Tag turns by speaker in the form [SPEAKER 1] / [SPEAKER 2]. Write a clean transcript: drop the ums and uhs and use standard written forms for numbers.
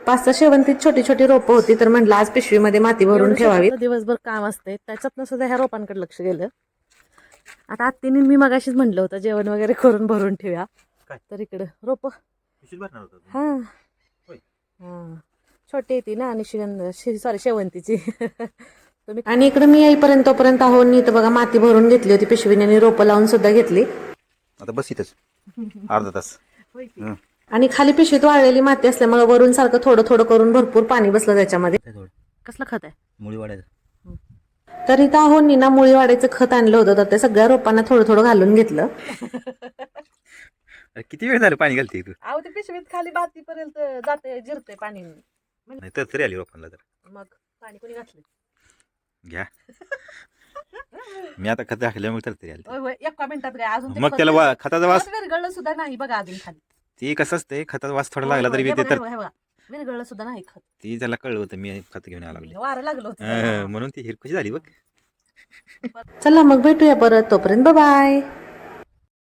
[SPEAKER 1] 5-6 शेवंतीत छोटी छोटी रोपं होती, तर म्हटलं आज पिशवीमध्ये माती भरून ठेवावी.
[SPEAKER 2] दिवसभर काम असते त्याच्यातनं सुद्धा ह्या रोपांकडे लक्ष गेलं. आता आत्तीने मी मगाशीच म्हटलं होतं जेवण वगैरे करून भरून ठेवूया, तर इकडं रोप हा छोटी येते ना आणि शेवंतीची.
[SPEAKER 1] आणि इकडे मी येईपर्यंत आहो नीट बघा माती भरून घेतली होती पिशवीने आणि रोपं लावून सुद्धा घेतली.
[SPEAKER 3] आता बस इथंच अर्धा तास.
[SPEAKER 1] आणि खाली पिशवीत वाळलेली माती असल्यामुळे वरून सारखं थोडं थोडं करून भरपूर पाणी बसलं त्याच्यामध्ये.
[SPEAKER 2] कसलं खत आहे?
[SPEAKER 3] मुळी वाढायचं.
[SPEAKER 1] तर इथं आहो ना मुळी वाढायचं खत आणलं होतं, तर ते सगळ्या रोपांना थोडं थोडं घालून घेतलं.
[SPEAKER 3] किती वेळ झालं पाणी घालते तू?
[SPEAKER 2] अहो ते पिशवीत खाली बातीपर्यंत जाते जिरते पाणी.
[SPEAKER 3] नाही तर तरी आली रोपांना तर.
[SPEAKER 2] मग पाणी कोणी घातलं?
[SPEAKER 3] घ्या. मी आता खत घातल्यामुळे तर तरी आली.
[SPEAKER 2] होय एका मिनिटात काय अजून
[SPEAKER 3] मग त्याला खताचा वास
[SPEAKER 2] विरघळलं सुद्धा नाही बघा अजून खाली.
[SPEAKER 3] ती कसं असते खताचा वास थोडा लागला तरी ते तर
[SPEAKER 2] विरघळलं सुद्धा नाही खत.
[SPEAKER 3] ती त्याला कळलं होतं मी खत घेऊन यायला लागले.
[SPEAKER 2] वारं लागलं होतं
[SPEAKER 3] म्हणून ती हिरकशी झाली बघ.
[SPEAKER 1] चला मग भेटूया परत, तोपर्यंत बाय.